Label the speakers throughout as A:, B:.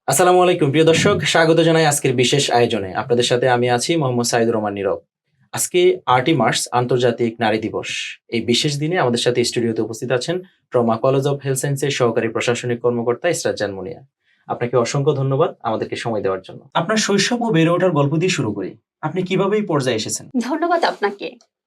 A: আসসালামু আলাইকুম প্রিয় দর্শক, স্বাগত জানাই আজকের বিশেষ আয়োজনে। আপনাদের সাথে আমি আছি মোহাম্মদ সাইদুর রহমান নীরব। আজকে ৮ই মার্চ আন্তর্জাতিক নারী দিবস। এই বিশেষ দিনে আমাদের সাথে স্টুডিওতে উপস্থিত আছেন ট্রমা কলেজ অফ হেলথ সায়েন্সের সহকারী প্রশাসনিক কর্মকর্তা ইসরাত জাহান মুনিয়া। আপনাকে অসংখ্য ধন্যবাদ আমাদেরকে সময় দেওয়ার জন্য। আপনার শৈশব ও বেড়ে ওঠার গল্প দিয়ে শুরু করি। আপনি কিভাবে এই পর্যায়ে এসেছেন?
B: ধন্যবাদ আপনাকে।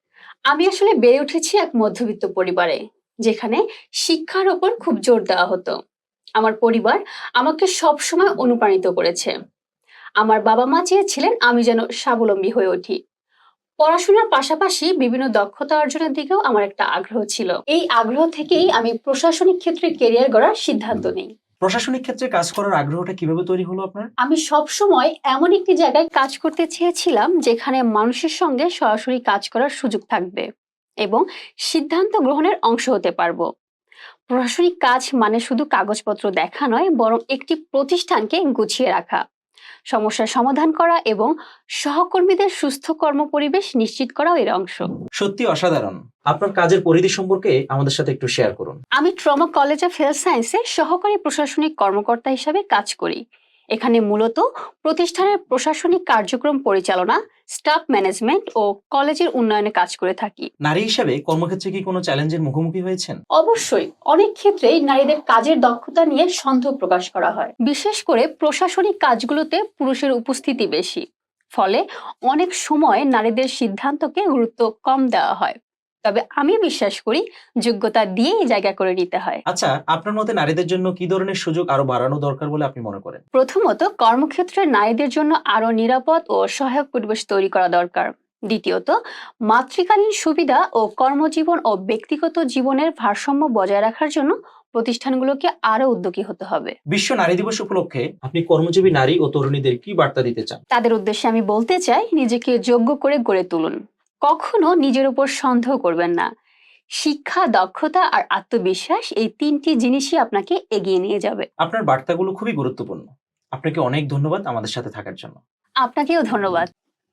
B: আমি আসলে বেড়ে উঠেছি এক মধ্যবিত্ত পরিবারে, যেখানে শিক্ষার ওপর খুব জোর দেওয়া হতো। আমার পরিবার আমাকে সবসময় অনুপ্রাণিত করেছে। আমার বাবা-মা চেয়েছিলেন আমি যেন স্বাবলম্বী হয়ে উঠি। পড়াশোনার পাশাপাশি বিভিন্ন দক্ষতা অর্জনের দিকেও আমার একটা আগ্রহ ছিল। এই আগ্রহ থেকেই আমি প্রশাসনিক ক্ষেত্রে ক্যারিয়ার গড়ার সিদ্ধান্ত নিই।
A: প্রশাসনিক ক্ষেত্রে কাজ করার আগ্রহটা কিভাবে তৈরি হলো আপনার?
B: আমি সবসময় এমন একটি জায়গায় কাজ করতে চেয়েছিলাম যেখানে মানুষের সঙ্গে সরাসরি কাজ করার সুযোগ থাকবে এবং সিদ্ধান্ত গ্রহণের অংশ হতে পারবো। প্রশাসনিক কাজ মানে শুধু কাগজপত্র দেখা নয়, বরং একটি প্রতিষ্ঠানকে গুছিয়ে রাখা, সমস্যার সমাধান করা এবং সহকর্মীদের সুস্থ কর্মপরিবেশ নিশ্চিত করাও এর অংশ।
A: সত্যি অসাধারণ। আপনার কাজের পরিধি সম্পর্কে আমাদের সাথে একটু শেয়ার করুন।
B: আমি ট্রমা কলেজ অফ হেলথ সায়েন্সে সহকারী প্রশাসনিক কর্মকর্তা হিসাবে কাজ করি। এখানে মূলত প্রতিষ্ঠানের প্রশাসনিক কার্যক্রম পরিচালনা, স্টাফ ম্যানেজমেন্ট ও কলেজের উন্নয়নে কাজ করে থাকি।
A: নারী হিসেবে কর্মক্ষেত্রে কি কোনো চ্যালেঞ্জের মুখোমুখি হয়েছেন?
B: অবশ্যই, অনেক ক্ষেত্রেই নারীদের কাজের দক্ষতা নিয়ে সন্দেহ প্রকাশ করা হয়, বিশেষ করে প্রশাসনিক কাজগুলোতে পুরুষের উপস্থিতি বেশি। ফলে অনেক সময় নারীদের সিদ্ধান্তকে গুরুত্ব কম দেওয়া হয়। তবে আমি বিশ্বাস করি যোগ্যতা দিয়েই জায়গা করে নিতে হয়।
A: আচ্ছা, আপনার মতে নারীদের জন্য কি ধরনের সুযোগ আরো বাড়ানো দরকার বলে আপনি মনে করেন?
B: প্রথমত, কর্মক্ষেত্রে নারীদের জন্য আরো নিরাপদ ও সহায়ক পরিবেশ তৈরি করা দরকার। দ্বিতীয়ত, মাতৃকালীন সুবিধা ও কর্মজীবন ও ব্যক্তিগত জীবনের ভারসাম্য বজায় রাখার জন্য প্রতিষ্ঠানগুলোকে আরো উদ্যোগী হতে হবে।
A: বিশ্ব নারী দিবস উপলক্ষে আপনি কর্মজীবী নারী ও তরুণীদের কি বার্তা দিতে চান?
B: তাদের উদ্দেশ্যে আমি বলতে চাই, নিজেকে যোগ্য করে গড়ে তুলুন। কখনো নিজের উপর সন্দেহ করবেন না। শিক্ষা, দক্ষতা আর আত্মবিশ্বাস, এই তিনটি জিনিসই আপনাকে এগিয়ে নিয়ে যাবে।
A: আপনার বার্তাগুলো খুবই গুরুত্বপূর্ণ। আপনাকে অনেক ধন্যবাদ আমাদের সাথে থাকার জন্য।
B: আপনাকেও ধন্যবাদ।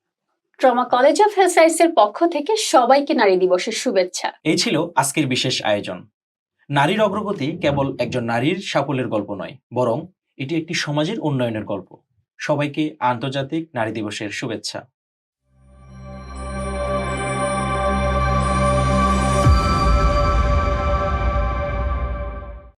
B: ট্রমা কলেজ অফ হেলথ সায়েন্সের পক্ষ থেকে সবাইকে নারী দিবসের শুভেচ্ছা।
A: এই ছিল আজকের বিশেষ আয়োজন। নারীর অগ্রগতি কেবল একজন নারীর সাফল্যের গল্প নয়, বরং এটি একটি সমাজের উন্নয়নের গল্প। সবাইকে আন্তর্জাতিক নারী দিবসের শুভেচ্ছা।